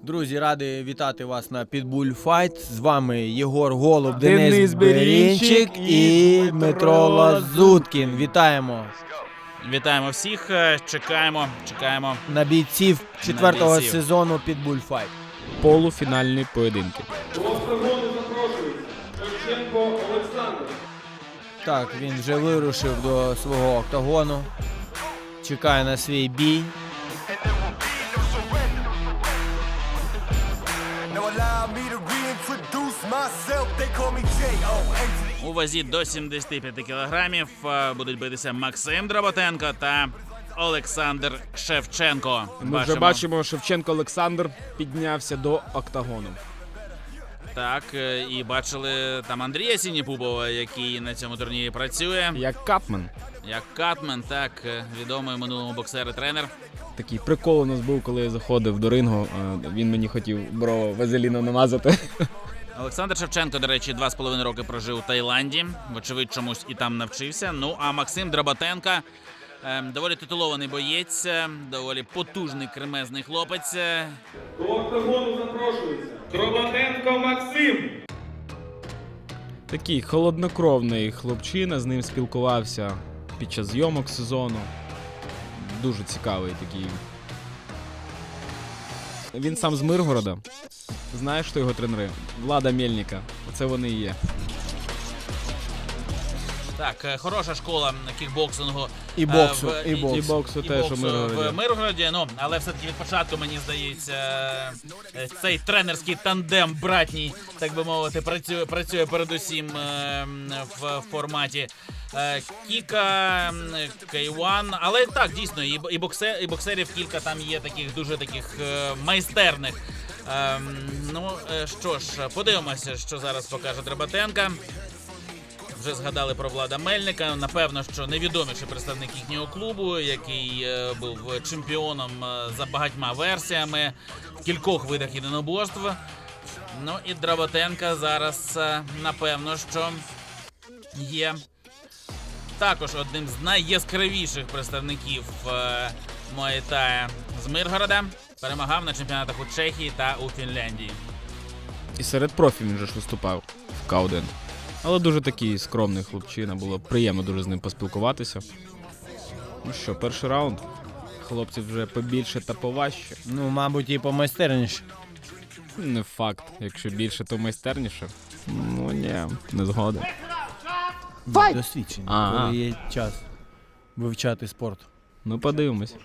Друзі, радий вітати вас на Pitbull Fight. З вами Єгор Голуб, Денис Берінчик і Дмитро Лазуткін. Вітаємо. Вітаємо всіх, чекаємо На бійців четвертого сезону Pitbull Fight. Полуфінальні поєдинки. До октагону запрошується Шевченко Олександр. Так, він вже вирушив до свого октагону. Чекає на свій бій. У вазі до 75 кілограмів будуть битися Максим Драбатенко та Олександр Шевченко. Ми вже бачимо, Шевченко Олександр піднявся до октагону. Так, і бачили там Андрія Сініпубова, який на цьому турнірі працює. Як капмен. Як катмен, так, відомий минулому боксер і тренер. Такий прикол у нас був, коли я заходив до рингу. Він мені хотів брови вазеліном намазати. Олександр Шевченко, до речі, 2,5 роки прожив у Таїланді. Вочевидь, чомусь і там навчився. Ну, а Максим Драбатенко доволі титулований боєць, доволі потужний кремезний хлопець. До октагону запрошується Драбатенко Максим. Такий холоднокровний хлопчина, з ним спілкувався під час зйомок сезону. Дуже цікавий такий. Він сам з Миргорода. Знаєш, хто його тренери? Влада Мельника. Оце вони і є. Так, хороша школа кікбоксингу. І боксу, І боксу теж у Миргороді. В Миргороді, ну, але все-таки від початку, мені здається, цей тренерський тандем братній, так би мовити, працює передусім в форматі кіка, кейван, але так, дійсно, і боксерів кілька там є таких, дуже таких майстерних. Ну, що ж, подивимося, що зараз покаже Драбатенко. Вже згадали про Влада Мельника. Напевно, що найвідоміший представник їхнього клубу, який був чемпіоном за багатьма версіями в кількох видах єдиноборств. Ну і Драбатенко зараз, напевно, що є також одним з найяскравіших представників Муай-Тая з Миргорода. Перемагав на чемпіонатах у Чехії та у Фінляндії. І серед профі він же ж виступав в К1. Але дуже такий скромний хлопчина, було приємно дуже з ним поспілкуватися. Ну що, перший раунд. Хлопці вже побільше та поважче. Ну, мабуть, і помайстерніше. Не факт, якщо більше, то майстерніше. Ну ні, не згоден. Досвідчені, Ага. коли є час вивчати спорт. Ну подивимось.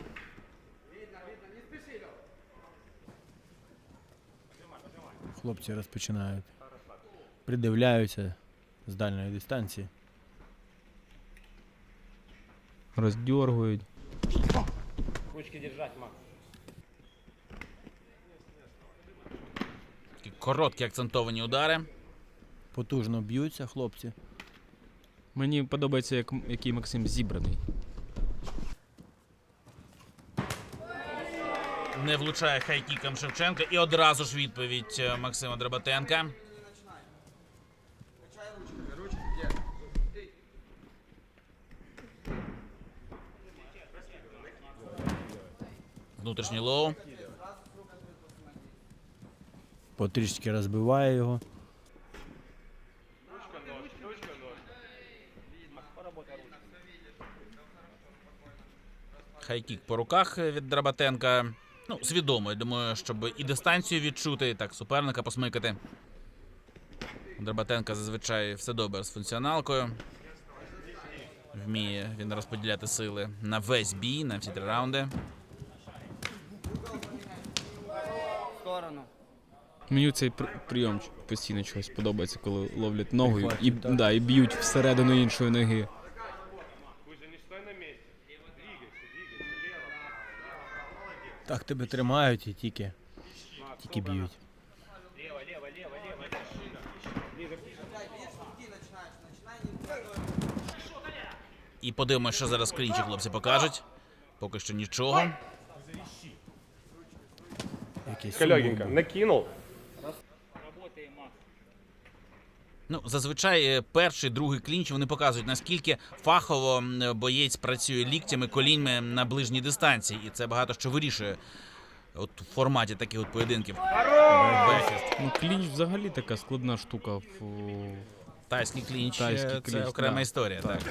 Хлопці розпочинають. Придивляються з дальньої дистанції. Роздьоргують. Такі короткі акцентовані удари. Потужно б'ються хлопці. Мені подобається, який Максим зібраний. Не влучає хайкіком Шевченка. І одразу ж відповідь Максима Драбатенка. Внутрішній лоу. Потрішки розбиває його. Хайкік по руках від Драбатенка. Ну, свідомо, я думаю, щоб і дистанцію відчути, і так суперника посмикати. У Драбатенка зазвичай все добре з функціоналкою. Вміє він розподіляти сили на весь бій, на всі 3 раунди. Мені цей прийом постійно чогось подобається, коли ловлять ногою і б'ють всередину іншої ноги. Так тебе тримають і тільки б'ють. І подивимося, що зараз в клінчі хлопці покажуть. Поки що нічого. Легенько накинув. Ну, зазвичай перший, другий клінч вони показують, наскільки фахово боєць працює ліктями, коліньми на ближній дистанції. І це багато що вирішує от в форматі таких от поєдинків. Бекфіст. Ну, клінч взагалі така складна штука в Тайський клінч, Тайський це клінч, окрема да. історія. Так.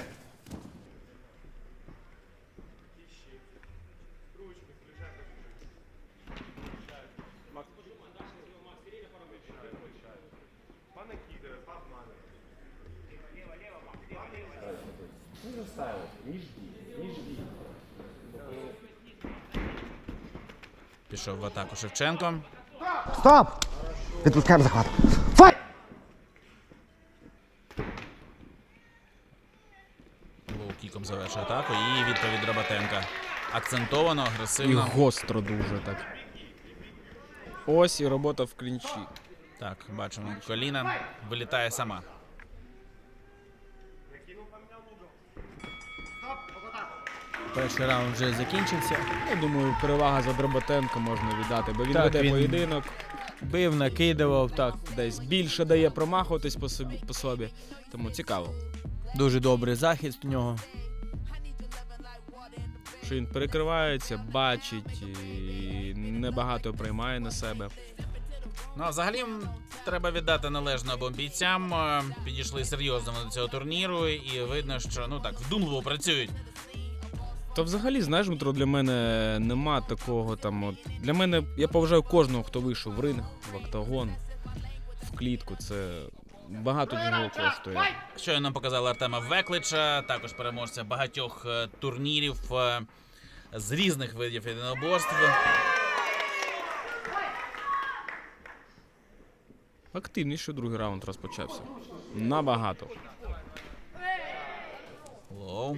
Пішов в атаку Шевченко. Стоп! Відпускаємо захват. Файт! Лоу-кіком завершує атаку і відповідь Драбатенка. Акцентовано, і агресивно. гостро дуже так. Ось і робота в клінчі. Так, бачимо, коліна вилітає сама. Перший раунд вже закінчився. Я думаю, перевага за Драбатенко можна віддати, бо він Так, веде він- поєдинок, Бив, накидував, так. десь більше дає промахуватись по собі. Тому цікаво, Дуже добрий захист у нього. що він перекривається, бачить, і небагато приймає на себе. Ну, а взагалі треба віддати належне обом бійцям. Підійшли серйозно до цього турніру, і видно, що ну так вдумливо працюють. Та взагалі, знаєш, Дмитро, для мене нема такого там. От, для мене я поважаю кожного, хто вийшов в ринг, в октагон, в клітку. Це багато чого коштує. Щойно нам показали Артема Веклича, також переможця багатьох турнірів з різних видів єдиноборств. Активніше другий раунд розпочався. Набагато. Лоу.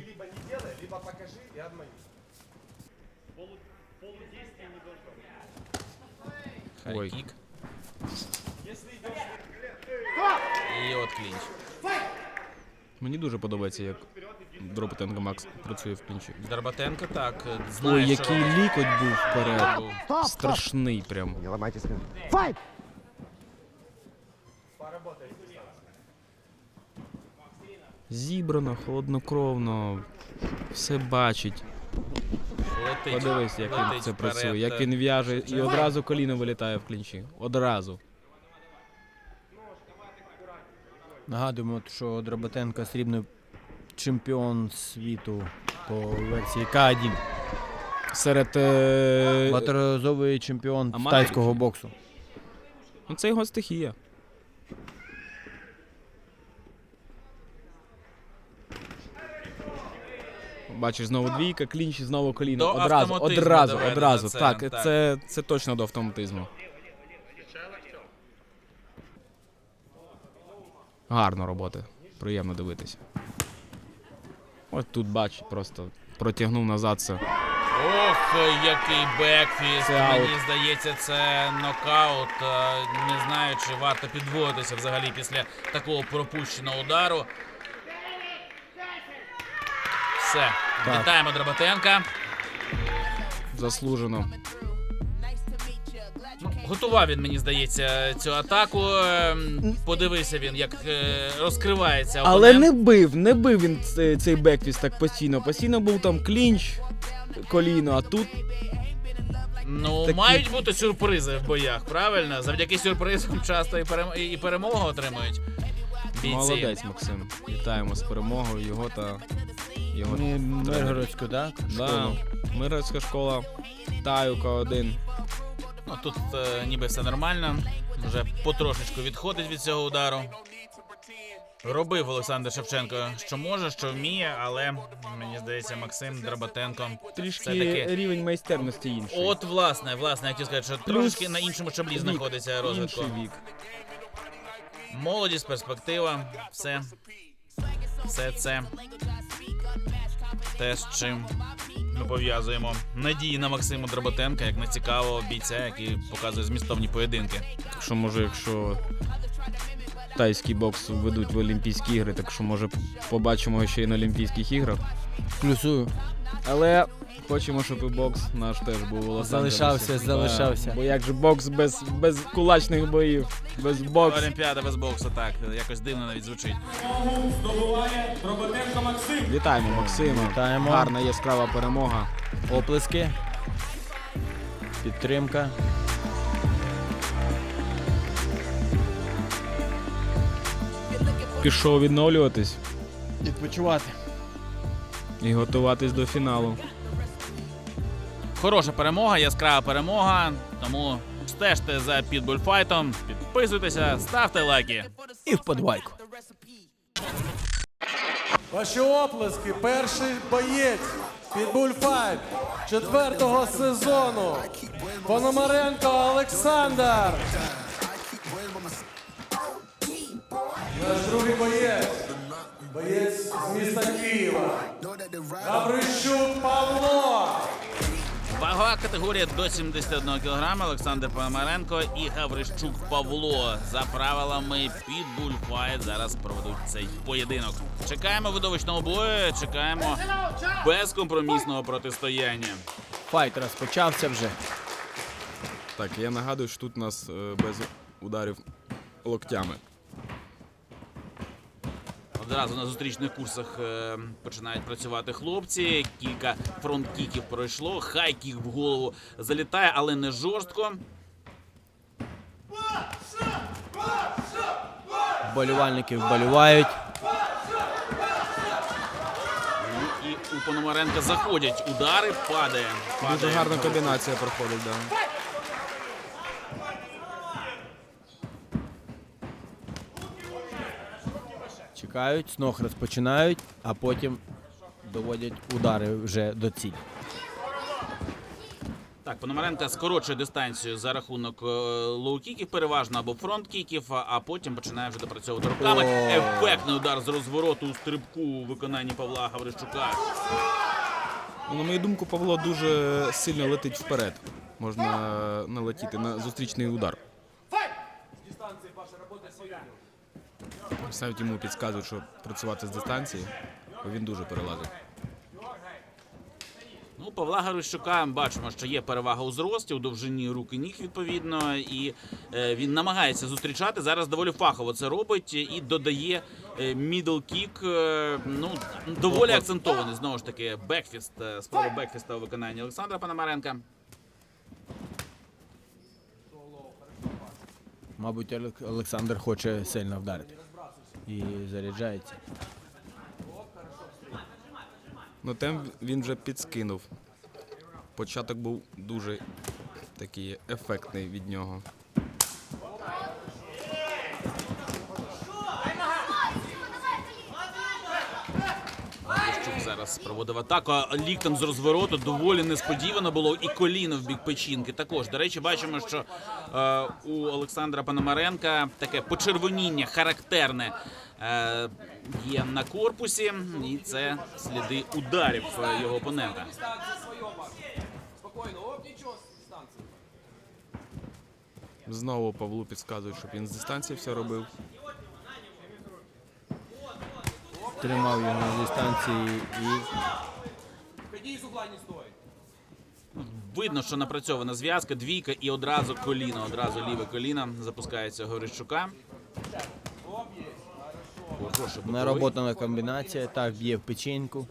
Ой. Хайкік. І от клінч. Мені дуже подобається, як Драбатенко Макс працює в клінчі. Драбатенко так, знає, Ой, що який робить. лікоть був вперед. Був. Стоп! Стоп! Страшний прям. Не ламайте спину. Файт! Зібрано, холоднокровно, все бачить. Летить. Подивись, як він Летить це вперед. працює, як він в'яже і одразу коліно вилітає в клінчі. Одразу. Нагадуємо, що Драбатенко срібний чемпіон світу по версії К1. Серед. Багаторазовий чемпіон з Аматорів. тайського боксу. Ну, це його стихія. Бачиш, знову двійка, клінч і знову коліно. До Одразу, автоматизму одразу, доведено одразу. це, Так, так. це точно до автоматизму. Гарно робота. Приємно дивитися. Ось тут бач, просто протягнув назад це. Ох, який бекфіст. Це аут. Мені здається, це нокаут. Не знаю, чи варто підводитися взагалі після такого пропущеного удару. Все. Так. Вітаємо Драбатенка. Заслужено. Ну, готував він, мені здається, цю атаку. Подивися він, як розкривається Але опонент. не бив він цей бекфіст так постійно. Постійно був там клінч, коліно, а тут Ну, такі- мають бути сюрпризи в боях, правильно? Завдяки сюрпризам часто і перемогу отримують бійці. молодець, Максим. Вітаємо з перемогою його та його тренера. Миргородську, так? Да, Школу. Миргородська школа, Таюка 1. Ну, тут ніби все нормально. Вже потрошечку відходить від цього удару. Робив Олександр Шевченко, що може, що вміє, але мені здається, Максим Драбатенко Трішки все-таки. рівень майстерності інший. От, власне, я хотів сказати, що трошки на іншому щаблі вік, знаходиться розвитку. Інший вік. Молодість, перспектива, все це те, з чим ми пов'язуємо надії на Максима Драбатенка, як на цікавого бійця, який показує змістовні поєдинки. Так що, може, якщо тайський бокс ведуть в Олімпійські ігри, так що, може, побачимо його ще й на Олімпійських іграх. Плюсую. Але хочемо, щоб і бокс наш теж був у Лос-Анджелесі. Залишався. Да, бо як же бокс без кулачних боїв, без боксу. Олімпіада без боксу, так, якось дивно навіть звучить. Здобуває Драбатенко Максим. Вітаємо Максима. Вітаємо. Гарна яскрава перемога. Оплески. підтримка. Пішов відновлюватись Відпочивати. і готуватись до фіналу. Хороша перемога, яскрава перемога. Тому стежте за підбульфайтом, підписуйтеся, ставте лайки. І вподобайку. Ваші оплески. Перший боєць Pitbull Fight 4-го сезону. Пономаренко Олександр. Наш другий боєць. Боєць з міста Києва. Гаврищук Павло. Вагова категорія до 71 кг. Олександр Пономаренко і Гаврищук Павло. За правилами Pitbull Fight зараз проведуть цей поєдинок. Чекаємо видовищного бою, чекаємо безкомпромісного протистояння. Файт розпочався вже. Так, я нагадую, що тут у нас без ударів локтями. Одразу на зустрічних курсах починають працювати хлопці. Кілька фронт-кіків пройшло. Хай-кік в голову залітає, але не жорстко. Вболівальники вболівають. Ну, і у Пономаренка заходять удари, падає. Дуже гарна комбінація проходить, да. Чекають, знов розпочинають, а потім доводять удари вже до цілі. Так, Пономаренко скорочує дистанцію за рахунок лоу-кіків переважно або фронт-кіків, а потім починає вже допрацьовувати руками. Ефектний удар з розвороту у стрибку у виконанні Павла Гаврищука. Ну, на мою думку, Павло дуже сильно летить вперед. Можна налетіти на зустрічний удар. Навіть йому підказують, що працювати з дистанції, бо він дуже перелазить. Ну, у Павла Гаврищука бачимо, що є перевага у зрості, у довжині рук і ніг, відповідно, і він намагається зустрічати. Зараз доволі фахово це робить і додає мідл-кік, ну, доволі акцентований, знову ж таки, бекфіст, спроба бекфіста у виконанні Олександра Пономаренка. Мабуть, Олександр хоче сильно вдарити. І заряджається. Ну, тем він вже підскинув. Початок був дуже такий ефектний від нього. Гаврищук зараз проводив атаку. Ліктем з розвороту доволі несподівано було, і коліно в бік печінки також. До речі, бачимо, що у Олександра Пономаренка таке почервоніння характерне є на корпусі, і це сліди ударів його опонента. Знову Павлу підказують, щоб він з дистанції все робив. Тримав його на дистанції і Видно, що напрацьована зв'язка, двійка і одразу коліно, одразу ліве коліно запускається у Гаврищука. Хороший боковий. нароботана комбінація. Так, б'є в печінку.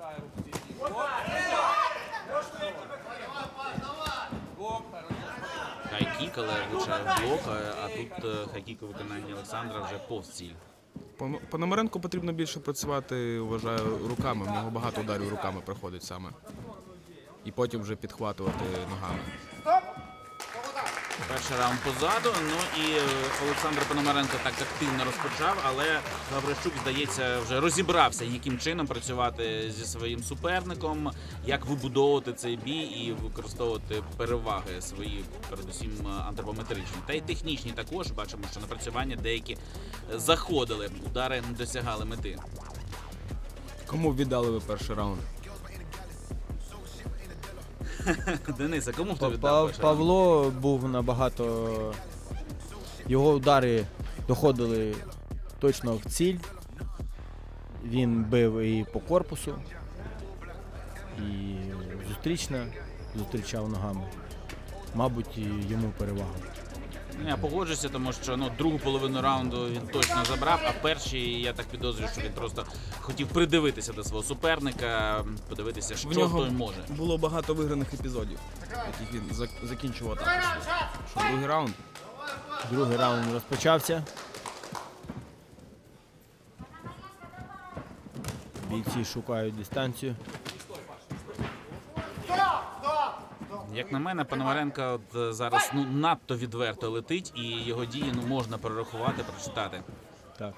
Хайкік, але влучає в блок, а тут хайкік у виконанні Олександра вже повз ціль. Пономаренку потрібно більше працювати, вважаю, руками. В нього багато ударів руками проходить саме. І потім вже підхватувати ногами. Перший раунд позаду, ну і Олександр Пономаренко так активно розпочав, але Гаврищук, здається, вже розібрався, яким чином працювати зі своїм суперником, як вибудовувати цей бій і використовувати переваги свої, передусім антропометричні. Та й технічні також, бачимо, що напрацювання деякі заходили, удари не досягали мети. Кому віддали ви перший раунд? Дениса, кому хто віддав перший раунд? Павло був набагато... Його удари доходили точно в ціль. Він бив і по корпусу, і зустрічав ногами. Мабуть, і йому перевагу. Я погоджуся, тому що другу половину раунду він точно забрав, а в першій я так підозрюю, що він просто хотів придивитися до свого суперника, подивитися, що той може. Було багато виграних епізодів, яких він закінчував також. Що другий раунд? Другий раунд розпочався. Бійці шукають дистанцію. Як на мене, Пономаренко от зараз надто відверто летить, і його дії можна перерахувати, прочитати. Так.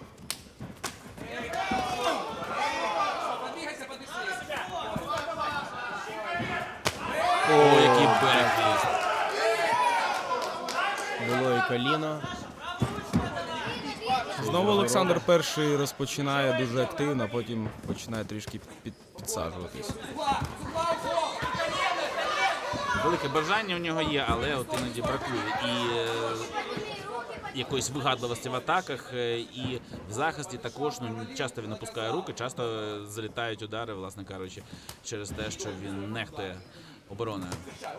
О, який бекфіст! Було і коліно. Знову Олександр перший розпочинає дуже активно, а потім починає трішки підсаджуватись. Велике бажання у нього є, але от іноді бракує і якоїсь вигадливості в атаках, і в захисті також. Часто він опускає руки, часто залітають удари, власне кажучи, через те, що він нехтує обороною.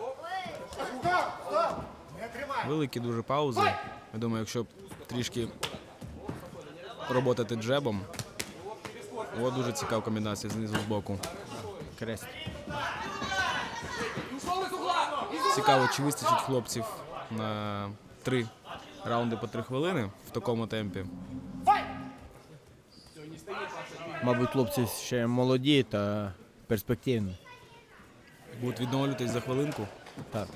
Великі дуже паузи. Я думаю, якщо трішки роботати джебом, дуже цікава комбінація знизу з боку. Крест. Цікаво, чи вистачить хлопців на 3 раунди по 3 хвилини в такому темпі. Мабуть, хлопці ще молоді та перспективні. Будуть відновлюватись за хвилинку. Так.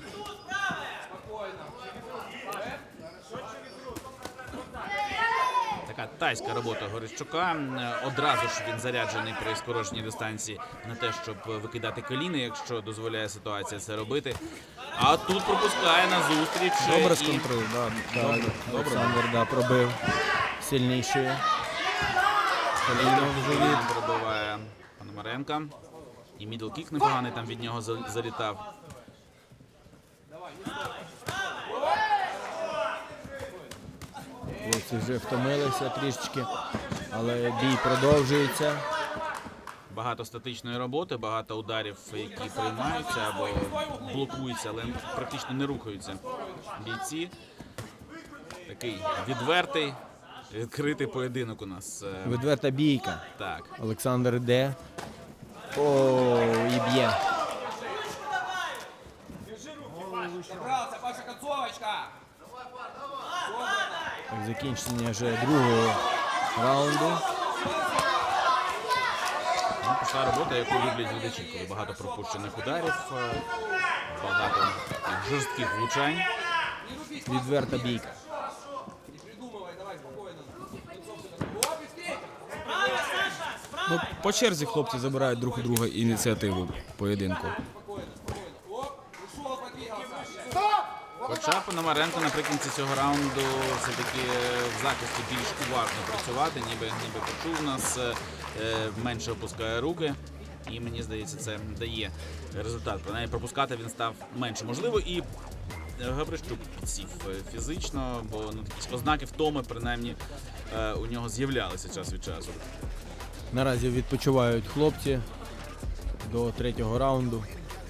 Така тайська робота Горищука. Одразу ж він заряджений при скороченій дистанції на те, щоб викидати коліна, якщо дозволяє ситуація це робити. А тут пропускає на зустріч. Добре сконтролює, добре. Олександр пробив сильнішою. Коліно в живіт. Пробиває Пономаренка. І мідл-кік непоганий там від нього залітав. Хлопці вже втомилися трішечки, але бій продовжується. Багато статичної роботи, багато ударів, які приймаються або блокуються, але практично не рухаються бійці. Такий відвертий, відкритий поєдинок у нас. Відверта бійка. Так. Олександр йде. О, і б'є. Так, закінчення вже другого раунду. Пішла робота, яку люблять глядачі, коли багато пропущених ударів, багато таких жорстких влучань. Відверта бійка. По черзі хлопці забирають друг у друга ініціативу поєдинку. Хоча Пономаренко наприкінці цього раунду все-таки в захисті більш уважно працювати, ніби почув нас, менше опускає руки. І мені здається, це дає результат. Принаймні пропускати він став менше. Можливо, і Гаврищук підсів фізично, бо якісь ознаки втоми, принаймні, у нього з'являлися час від часу. Наразі відпочивають хлопці до 3-го раунду.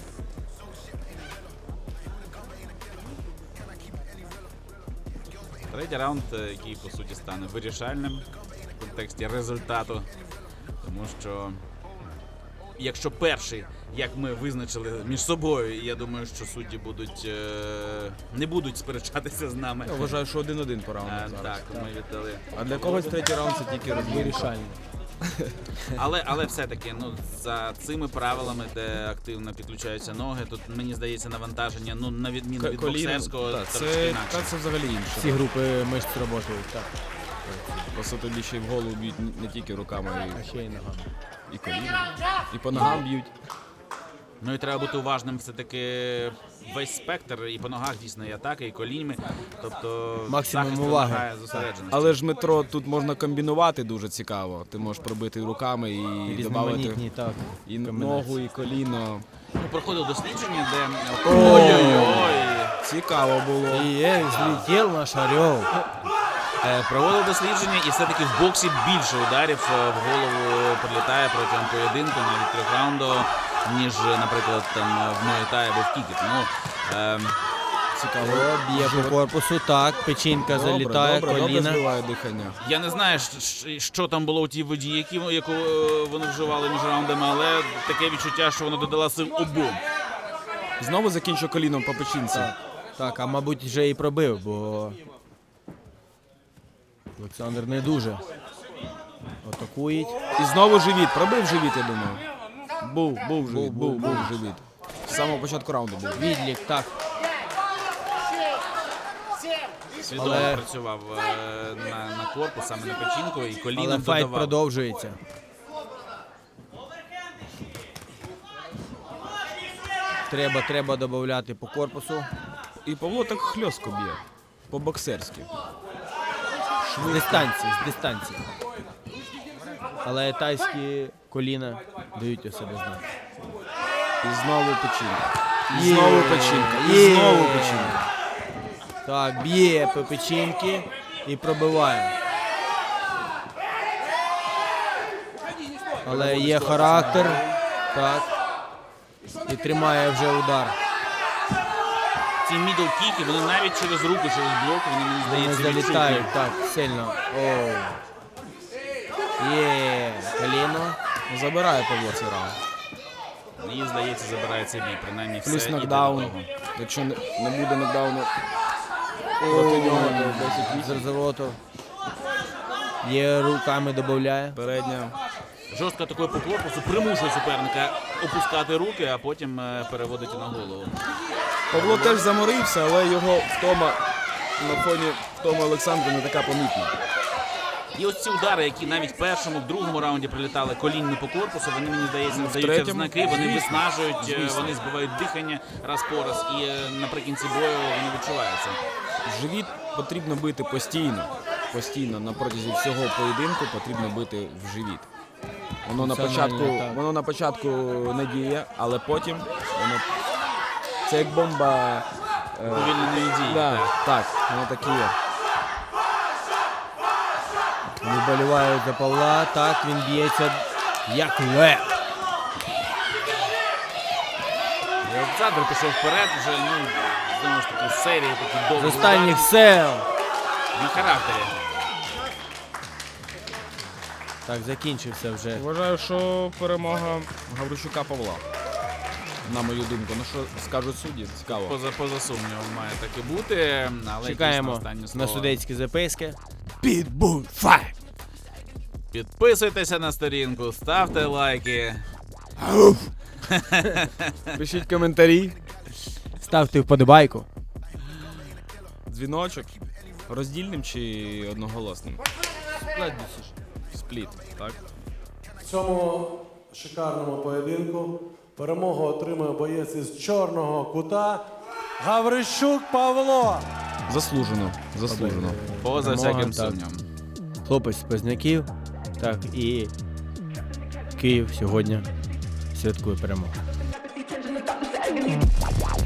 Третій раунд, який, по суті, стане вирішальним в контексті результату. Тому що, якщо перший, як ми визначили між собою, і я думаю, що судді не будуть сперечатися з нами. Я вважаю, що 1-1 по раунду зараз. Так, ми віддали. А для когось третій раунд це тільки Вирішальний. Але все-таки, за цими правилами, де активно підключаються ноги, тут, мені здається, навантаження, на відміну від боксерського, трошки інакше. Це взагалі інше. Всі групи мишць працюють, так. По суті, тобі ще й в голову б'ють не тільки руками, А ще й ногами. і коліна, і по ногам б'ють. Ну і треба бути уважним все-таки весь спектр, і по ногах дійсно і атаки, і коліньми. Тобто Максимум захист уваги. вимагає зосередженості. Але ж метро тут можна комбінувати дуже цікаво. Ти можеш пробити руками і додати Різноманітні, так. і комбінації. ногу, і коліно. Проходив дослідження, де Ой-ой-ой. Цікаво було. І злетів наш орел. проводив дослідження, і все-таки в боксі більше ударів в голову прилітає протягом поєдинку, навіть 3 раунду, ніж, наприклад, там в Муай-Таї або в Кікі. Тому Цікаво. О, б'є по корпусу, так, печінка залітає, добре коліна. збиває дихання. Я не знаю, що там було у тій воді, яку вони вживали між раундами, але таке відчуття, що воно додала сил обом. Знову закінчує коліном по печінці. Так, а мабуть вже і пробив, бо Олександр не дуже атакують. І знову живіт. Пробив живіт, я думаю. Був живіт. З самого початку раунду був. Відлік, так. Свідомо Але- працював на корпус, саме на печінку, і Але коліном файт додавав. продовжується. Треба додати по корпусу. І Павло так хльостко б'є. По-боксерськи. З дистанції. Але тайські коліна дають у себе знати. І знову печінка. І Є. знову печінка. І Є. знову печінка. Так, б'є по печінки і пробиває. Але є характер. Так. І тримає вже удар. Ці мідл-кіки, вони навіть через руку, через блок, вони, мені Вони здається, залітають відчутні. так сильно. Оу. Є коліно. Забирає Павло цей раунд. Мені здається, забирає цей бій, принаймні все Плюс іде до нокдаун. того. Якщо не буде нокдауну проти нього, то 10-8. З розвороту. Є руками додає. Передня. Жорстко такою по корпусу примушує суперника опускати руки, а потім переводить на голову. Павло теж заморився, але його втома на фоні втоми Олександра не така помітна. І ось ці удари, які навіть в першому, в другому раунді прилітали колінні по корпусу, вони, мені здається, даються в третьому, знаки, вони звісно. виснажують, Звісно. вони збивають дихання раз по раз, і наприкінці бою вони відчуваються. Живіт потрібно бити постійно. Постійно на протязі всього поєдинку потрібно бити в живіт. Воно на початку не діє, але потім воно це як бомба. Повільненої дії. Да, так, воно так і є. Вболівають за Павла. Так, він б'ється як лев. І Олександр пішов вперед, вже, знову ж таки, серії такі З довгі останніх удари. сил. Він характері. Так, закінчився вже. Вважаю, що перемога Гаврищука Павла. На мою думку. Ну що скажуть судді, цікаво. Поза сумнівом має так і бути, але Чекаємо дійсно останнє на слово. судейські записки. Pitbull Fight! Підписуйтеся на сторінку, ставте лайки. Пишіть коментарі, Ставте вподобайку. дзвіночок. Роздільним чи одноголосним? Спліт, так? В цьому шикарному поєдинку перемогу отримує боєць із чорного кута Гаврищук Павло. Заслужено. Поза Перемога, всяким так. сумнівом. Хлопець з Позняків. Так, і Київ сьогодні святкує перемогу.